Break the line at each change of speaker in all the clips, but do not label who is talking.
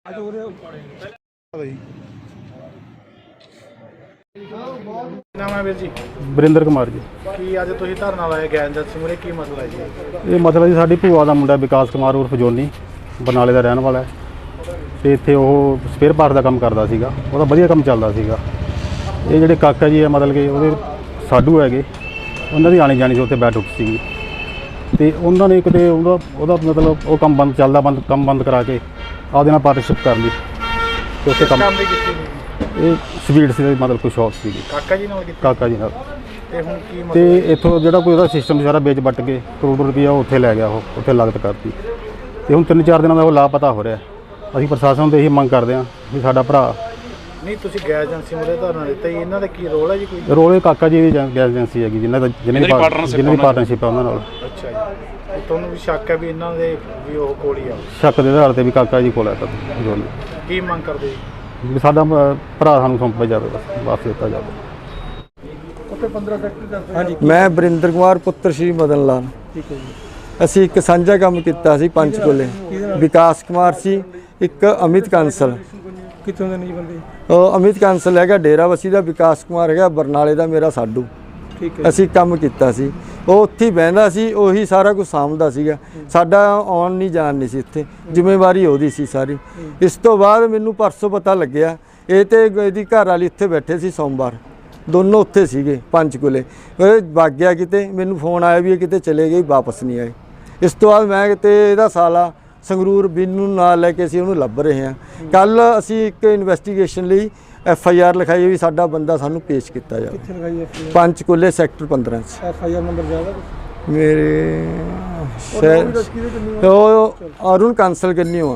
ਨਾਮ ਹੈ ਵੀਰ ਜੀ?
ਵਰਿੰਦਰ ਕੁਮਾਰ ਜੀ।
ਕੀ ਅੱਜ ਤੁਸੀਂ ਧਰਨਾ ਲਾਇਆ ਗੈਸ ਏਜੰਸੀ ਮੂਹਰੇ, ਕੀ ਮਸਲਾ ਹੈ ਜੀ?
ਇਹ ਮਤਲਬ ਜੀ ਸਾਡੀ ਭੂਆ ਦਾ ਮੁੰਡਾ ਵਿਕਾਸ ਕੁਮਾਰ ਉਰਫ ਜੋਨੀ ਬਰਨਾਲੇ ਦਾ ਰਹਿਣ ਵਾਲਾ ਹੈ ਤੇ ਇੱਥੇ ਉਹ ਸਪੇਅਰ ਪਾਰਟ ਦਾ ਕੰਮ ਕਰਦਾ ਸੀਗਾ। ਉਹਦਾ ਵਧੀਆ ਕੰਮ ਚੱਲਦਾ ਸੀਗਾ। ਇਹ ਜਿਹੜੇ ਕਾਕਾ ਜੀ ਹੈ ਮਤਲਬ ਕਿ ਉਹਦੇ ਸਾਡੂ ਹੈਗੇ, ਉਹਨਾਂ ਦੀ ਆਣੀ ਜਾਣੀ ਸੀ ਉੱਥੇ ਬੈਠ ਉੱਠ ਸੀਗੀ ਤੇ ਉਹਨਾਂ ਨੇ ਕਿਤੇ ਉਹਦਾ ਮਤਲਬ ਉਹ ਕੰਮ ਬੰਦ ਕਰਾ ਕੇ ਆਪਦੇ ਨਾਲ ਪਾਰਟਨਰਸ਼ਿਪ ਕਰ ਲਈ ਤੇ ਉੱਥੇ ਕੰਮ
ਦੀ ਕੀਤੀ
ਇਹ ਸਵੀਟ ਸੀ ਮਤਲਬ ਕੋਈ ਸ਼ੌਪ ਸੀਗੀ
ਕਾਕਾ ਜੀ ਨਾਲ ਕੀਤੀ?
ਕਾਕਾ ਜੀ ਨਾਲ।
ਤੇ ਹੁਣ ਕੀ ਮਸਲਾ?
ਤੇ ਇੱਥੋਂ ਜਿਹੜਾ ਕੋਈ ਉਹਦਾ ਸਿਸਟਮ ਸਾਰਾ ਵੇਚ ਵੱਟ ਕੇ ਕਰੋੜ ਰੁਪਈਆ ਉੱਥੇ ਲੈ ਗਿਆ, ਉਹ ਉੱਥੇ ਲਾਗਤ ਕਰਤੀ ਤੇ ਹੁਣ 3-4 ਦਿਨਾਂ ਦਾ ਉਹ ਲਾਪਤਾ ਹੋ ਰਿਹਾ। ਅਸੀਂ ਪ੍ਰਸ਼ਾਸਨ ਤੋਂ ਇਹੀ ਮੰਗ ਕਰਦੇ ਹਾਂ ਵੀ ਸਾਡਾ ਭਰਾ।
ਨਹੀਂ, ਤੁਸੀਂ ਗੈਸ ਏਜੰਸੀ ਮੂਹਰੇ ਧਰਨਾ ਦਿੱਤਾ ਜੀ, ਇਹਨਾਂ ਦਾ ਕੀ ਰੋਲ ਹੈ ਜੀ? ਕੋਈ
ਰੋਲ ਕਾਕਾ ਜੀ ਦੀ ਗੈਸ ਏਜੰਸੀ ਹੈਗੀ ਜਿਨ੍ਹਾਂ ਦੀ ਪਾਰਟਨਰਸ਼ਿਪ ਹੈ ਉਹਨਾਂ ਨਾਲ।
ਅੱਛਾ ਜੀ, ਤੁਹਾਨੂੰ ਵੀ ਸ਼ੱਕ ਹੈ ਵੀ ਇਹਨਾਂ ਦੇ ਵੀ ਉਹ ਕੋਲ ਹੀ ਆ?
ਸ਼ੱਕ ਦੇ ਆਧਾਰ ਤੇ ਵੀ ਕਾਕਾ ਜੀ ਕੋਲ ਹੈ ਤਾਂ ਜੋਨੀ।
ਕੀ ਮੰਗ ਕਰਦੇ ਜੀ?
ਵੀ ਸਾਡਾ ਭਰਾ ਸਾਨੂੰ ਸੌਂਪਿਆ ਜਾਵੇ, ਬਸ ਵਾਪਸ ਦਿੱਤਾ ਜਾਵੇ।
ਹਾਂਜੀ, ਮੈਂ ਵਰਿੰਦਰ ਕੁਮਾਰ ਪੁੱਤਰ ਸ਼੍ਰੀ ਮਦਨ ਲਾਲ।
ਠੀਕ ਹੈ ਜੀ।
ਅਸੀਂ ਇੱਕ ਸਾਂਝਾ ਕੰਮ ਕੀਤਾ ਸੀ ਪੰਚਕੂਲੇ। ਵਿਕਾਸ ਕੁਮਾਰ ਸੀ, ਇੱਕ ਅਮਿਤ ਕਾਂਸਲ।
ਕਿੱਥੋਂ ਦੇ ਨਹੀਂ ਬੰਦੇ?
ਉਹ ਅਮਿਤ ਕਾਂਸਲ ਹੈਗਾ ਡੇਰਾਬੱਸੀ ਦਾ, ਵਿਕਾਸ ਕੁਮਾਰ ਹੈਗਾ ਬਰਨਾਲੇ ਦਾ ਮੇਰਾ ਸਾਡੂ।
ਠੀਕ ਹੈ।
ਅਸੀਂ ਕੰਮ ਕੀਤਾ ਸੀ, ਉਹ ਉੱਥੇ ਹੀ ਬਹਿੰਦਾ ਸੀ, ਉਹੀ ਸਾਰਾ ਕੁਝ ਸਾਂਭਦਾ ਸੀਗਾ। ਸਾਡਾ ਆਉਣ ਨਹੀਂ ਜਾਣ ਨਹੀਂ ਸੀ ਇੱਥੇ, ਜ਼ਿੰਮੇਵਾਰੀ ਉਹਦੀ ਸੀ ਸਾਰੀ। ਇਸ ਤੋਂ ਬਾਅਦ ਮੈਨੂੰ ਪਰਸੋਂ ਪਤਾ ਲੱਗਿਆ ਇਹ ਤੇ ਇਹਦੀ ਘਰ ਵਾਲੀ ਉੱਥੇ ਬੈਠੇ ਸੀ, ਸੋਮਵਾਰ ਦੋਨੋਂ ਉੱਥੇ ਸੀਗੇ ਪੰਚਕੂਲੇ। ਇਹ ਵਗ ਗਿਆ ਕਿਤੇ, ਮੈਨੂੰ ਫੋਨ ਆਇਆ ਵੀ ਇਹ ਕਿਤੇ ਚਲੇ ਗਏ, ਵਾਪਸ ਨਹੀਂ ਆਏ। ਇਸ ਤੋਂ ਬਾਅਦ ਮੈਂ ਕਿਤੇ ਇਹਦਾ ਸਾਲਾ ਸੰਗਰੂਰ ਬਿੰਨੂ ਨਾਲ ਲੈ ਕੇ ਅਸੀਂ ਉਹਨੂੰ ਲੱਭ ਰਹੇ ਹਾਂ। ਕੱਲ ਅਸੀਂ ਇੱਕ ਇਨਵੈਸਟੀਗੇਸ਼ਨ ਲਈ FIR ਲਿਖਾਈ ਵੀ ਸਾਡਾ ਬੰਦਾ ਸਾਨੂੰ ਪੇਸ਼ ਕੀਤਾ ਜਾਵੇ।
ਕਿੱਥੇ ਲਗਾਈ FIR?
ਪੰਚਕੂਲੇ ਸੈਕਟਰ 15 'ਚ।
FIR ਨੰਬਰ ਜ਼ਿਆਦਾ
ਮੇਰੇ ਉਹ ਅਰੁਣ ਕਾਂਸਲ ਕਿੰਨੀ ਆ,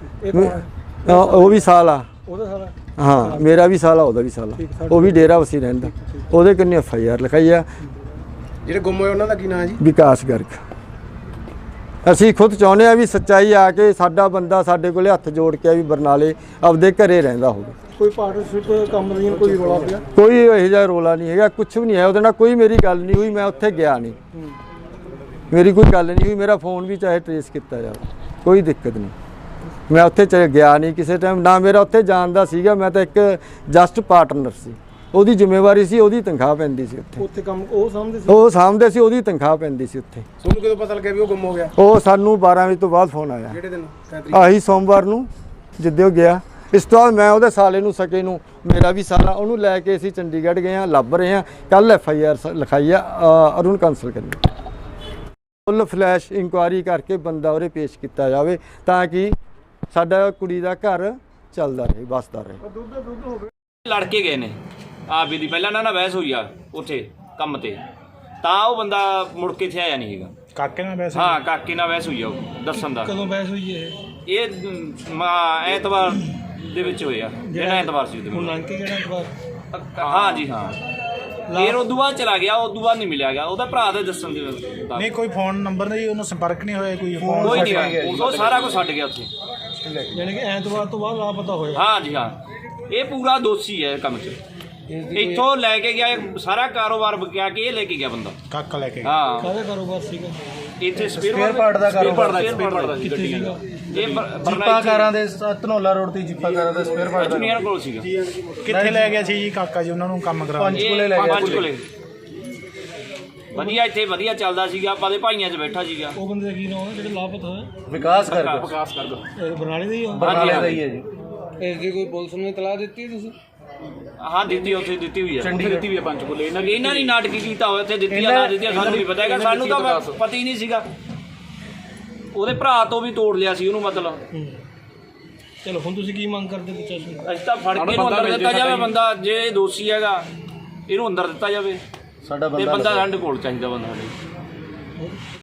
ਉਹ ਵੀ ਸਾਲ ਆ
ਉਹਦਾ ਸਾਰਾ?
ਹਾਂ, ਮੇਰਾ ਵੀ ਸਾਲ ਆ, ਉਹਦਾ ਵੀ ਸਾਲ ਆ। ਉਹ ਵੀ ਡੇਰਾਬੱਸੀ ਰਹਿੰਦਾ। ਉਹਦੇ ਕਿੰਨੀ FIR ਲਿਖਾਈ ਆ।
ਜਿਹੜੇ ਗੁੰਮ ਹੋਏ ਉਹਨਾਂ ਦਾ ਕੀ ਨਾਂ ਹੈ ਜੀ?
ਵਿਕਾਸ ਗਰਗ। ਅਸੀਂ ਖੁਦ ਚਾਹੁੰਦੇ ਆ ਵੀ ਸੱਚਾਈ ਆ ਕੇ ਸਾਡਾ ਬੰਦਾ ਸਾਡੇ ਕੋਲੇ ਹੱਥ ਜੋੜ ਕੇ ਵੀ ਬਰਨਾਲੇ ਆਪਦੇ ਘਰੇ ਰਹਿੰਦਾ ਹੋਵੇ।
ਕੋਈ ਪਾਰਟਨਰਸ਼ਿਪ ਕੰਮ ਦੀ ਕੋਈ ਰੌਲਾ ਪਿਆ?
ਕੋਈ ਇਹੋ ਜਿਹਾ ਰੌਲਾ ਨਹੀਂ ਹੈਗਾ, ਕੁਛ ਵੀ ਨਹੀਂ ਹੈ ਉਹਦੇ ਨਾਲ। ਕੋਈ ਮੇਰੀ ਗੱਲ ਨਹੀਂ ਹੋਈ, ਮੈਂ ਉੱਥੇ ਗਿਆ ਨਹੀਂ, ਮੇਰੀ ਕੋਈ ਗੱਲ ਨਹੀਂ ਹੋਈ। ਮੇਰਾ ਫੋਨ ਵੀ ਚਾਹੇ ਟਰੇਸ ਕੀਤਾ ਜਾਵੇ, ਕੋਈ ਦਿੱਕਤ ਨਹੀਂ। ਮੈਂ ਉੱਥੇ ਗਿਆ ਨਹੀਂ ਕਿਸੇ ਟਾਈਮ, ਨਾ ਮੇਰਾ ਉੱਥੇ ਜਾਣ ਦਾ ਸੀਗਾ। ਮੈਂ ਤਾਂ ਇੱਕ ਜਸਟ ਪਾਰਟਨਰ ਸੀ, ਉਹਦੀ ਜ਼ਿੰਮੇਵਾਰੀ ਸੀ, ਉਹਦੀ ਤਨਖਾਹ ਪੈਂਦੀ ਸੀ ਉੱਥੇ
ਕੰਮ ਉਹ ਸਾਂਭਦੇ ਸੀ?
ਉਹ ਸਾਂਭਦੇ ਸੀ, ਉਹਦੀ ਤਨਖਾਹ ਪੈਂਦੀ ਸੀ ਉੱਥੇ।
ਤੁਹਾਨੂੰ ਕਦੋਂ ਪਤਾ ਲੱਗਿਆ ਵੀ ਉਹ ਗੁੰਮ ਹੋ ਗਿਆ?
ਉਹ ਸਾਨੂੰ 12 ਵਜੇ ਤੋਂ ਬਾਅਦ ਫੋਨ ਆਇਆ।
ਕਿਹੜੇ ਦਿਨ?
ਆਹੀ ਸੋਮਵਾਰ ਨੂੰ ਜਿੱਦੇ ਉਹ ਗਿਆ। ਇਸ ਤੋਂ ਬਾਅਦ ਮੈਂ ਉਹਦੇ ਸਾਲੇ ਨੂੰ ਸਕੇ ਨੂੰ, ਮੇਰਾ ਵੀ ਸਾਲਾ, ਉਹਨੂੰ ਲੈ ਕੇ ਅਸੀਂ ਚੰਡੀਗੜ੍ਹ ਗਏ ਹਾਂ, ਲੱਭ ਰਹੇ ਹਾਂ। ਕੱਲ FIR ਲਿਖਾਈ ਆ ਅਰੁਣ ਕਾਂਸਲ ਕਰਨੀ। ਫੁੱਲ ਫਲੈਸ਼ ਇਨਕੁਆਇਰੀ ਕਰਕੇ ਬੰਦਾ ਉਹਦੇ ਪੇਸ਼ ਕੀਤਾ ਜਾਵੇ ਤਾਂ ਕਿ ਸਾਡਾ ਕੁੜੀ ਦਾ ਘਰ ਚੱਲਦਾ ਰਹੇ, ਵੱਸਦਾ ਰਹੇ।
ਲੜ ਕੇ ਗਏ ਨੇ ਆਪ ਵੀ ਦੀ, ਪਹਿਲਾਂ ਨਾ ਬਹਿਸ ਹੋਈ ਆ ਉੱਥੇ ਕੰਮ ਤੇ, ਤਾਂ ਉਹ ਬੰਦਾ ਮੁੜ ਕੇ ਇੱਥੇ ਆਇਆ ਨਹੀਂ ਹੈਗਾ।
ਕਾਕੇ ਨਾਲ ਬਹਿਸ? ਹਾਂ,
ਕਾਕੇ ਨਾਲ ਬਹਿਸ ਹੋਈ ਆ ਉਹ ਦੱਸਣ ਦਾ।
ਕਦੋਂ ਬਹਿਸ ਹੋਈ
ਇਹ ਐਤਵਾਰ ਦੇ ਵਿੱਚ ਹੋਇਆ, ਜਿਹੜਾ ਐਤਵਾਰ ਸੀ ਉਹਦੇ
ਹੁਣ ਅੰਕੇ ਕਿਹੜਾ ਐਤਵਾਰ?
ਹਾਂ ਜੀ ਹਾਂ। ਫਿਰ ਉਦੋਂ ਬਾਅਦ ਚਲਾ ਗਿਆ, ਉਦੋਂ ਬਾਅਦ ਨਹੀਂ ਮਿਲਿਆ ਗਿਆ ਉਹਦਾ ਭਰਾ ਦੇ ਦੱਸਣ ਦੇ।
ਨਹੀਂ, ਕੋਈ ਫੋਨ ਨੰਬਰ ਨਹੀਂ, ਉਹਨੂੰ ਸੰਪਰਕ ਨਹੀਂ ਹੋਇਆ? ਕੋਈ
ਨਹੀਂ, ਉਹ ਸਾਰਾ ਕੁਝ ਛੱਡ ਗਿਆ ਉੱਥੇ।
ਯਾਨੀ ਕਿ ਐਤਵਾਰ ਤੋਂ ਬਾਅਦ ਲਾਪਤਾ ਹੋਇਆ?
ਹਾਂ ਜੀ ਹਾਂ, ਇਹ ਪੂਰਾ ਦੋਸ਼ੀ ਹੈ ਕੰਮ 'ਚ। ਇੱਥੋਂ ਲੈ ਕੇ ਗਿਆ ਸਾਰਾ ਕਾਰੋਬਾਰ ਵਿਕਿਆ ਕੇ ਇਹ ਲੈ ਕੇ ਗਿਆ ਬੰਦਾ।
ਕਾਕਾ ਲੈ ਕੇ?
ਹਾਂ।
ਕਾਹਦਾ ਕਾਰੋਬਾਰ ਸੀਗਾ?
ਇੱਥੇ ਸਪੇਅਰ ਪਾਰਟ ਦਾ ਕਾਰੋਬਾਰ ਦਾ।
ਕਿੱਥੇ ਸੀਗਾ?
ਇਹ
ਜੀਪਾ ਕਾਰਾਂ ਦੇ ਧਨੌਲਾ ਰੋਡ ਤੇ ਜੀਪਾ ਕਾਰਾਂ ਦਾ ਸਪੇਅਰ ਪਾਰਟ
ਇੰਜੀਨੀਅਰ ਕੋਲ ਸੀਗਾ।
ਕਿੱਥੇ ਲੈ ਗਿਆ ਸੀ ਜੀ ਕਾਕਾ ਜੀ ਉਹਨਾਂ ਨੂੰ ਕੰਮ ਕਰਾਉਣ?
ਪੰਚਕੂਲੇ ਲੈ ਗਿਆ। ਪੰਚਕੂਲੇ ਵਧੀਆ, ਇੱਥੇ ਵਧੀਆ ਚੱਲਦਾ ਸੀਗਾ, ਆਪਾਂ ਦੇ ਭਾਈਆਂ 'ਚ ਬੈਠਾ ਸੀਗਾ।
ਉਹ ਬੰਦੇ ਦਾ ਕੀ ਨਾਮ ਹੈ ਜਿਹੜਾ ਲਾਪਤਾ ਹੋਇਆ?
ਵਿਕਾਸ ਕਰ
ਬਰਨਾਲੇ ਦਾ ਹੀ ਹੈ?
ਬਰਨਾਲੇ ਦਾ ਹੀ ਹੈ ਜੀ।
ਇਸ ਦੀ ਕੋਈ ਪੁਲਿਸ ਨੂੰ ਇਤਲਾਹ ਦਿੱਤੀ ਤੁਸੀਂ?
ਹਾਂ ਦਿੱਤੀ, ਉੱਥੇ ਦਿੱਤੀ ਹੋਈ ਹੈ, ਦਿੱਤੀ ਹੋਈ ਹੈ ਪੰਚਕੂਲੇ। ਇਹਨਾਂ ਨੇ ਨਾਟਕੀ ਕੀਤਾ ਹੋਇਆ, ਉੱਥੇ ਦਿੱਤੀ ਆ ਨਾ ਦਿੱਤੀ, ਸਾਨੂੰ ਨਹੀਂ ਪਤਾ ਹੈਗਾ। ਸਾਨੂੰ ਤਾਂ ਪਤਾ ਹੀ ਨਹੀਂ ਸੀਗਾ। ਉਹਦੇ ਭਰਾ ਤੋਂ ਵੀ ਤੋੜ ਲਿਆ ਸੀ ਉਹਨੂੰ ਮਤਲਬ।
ਚਲੋ ਹੁਣ ਤੁਸੀਂ ਕੀ ਮੰਗ ਕਰਦੇ ਪ੍ਰਸ਼ਾਸਨ?
ਅਸੀਂ ਤਾਂ ਫੜ ਕੇ ਇਹਨੂੰ ਅੰਦਰ ਦਿੱਤਾ ਜਾਵੇ ਬੰਦਾ, ਜੇ ਇਹ ਦੋਸ਼ੀ ਹੈਗਾ ਇਹਨੂੰ ਅੰਦਰ ਦਿੱਤਾ ਜਾਵੇ। ਸਾਡਾ ਬੰਦਾ ਸਾਡੇ ਕੋਲ ਚਾਹੀਦਾ ਬੰਦਾ ਸਾਡੇ।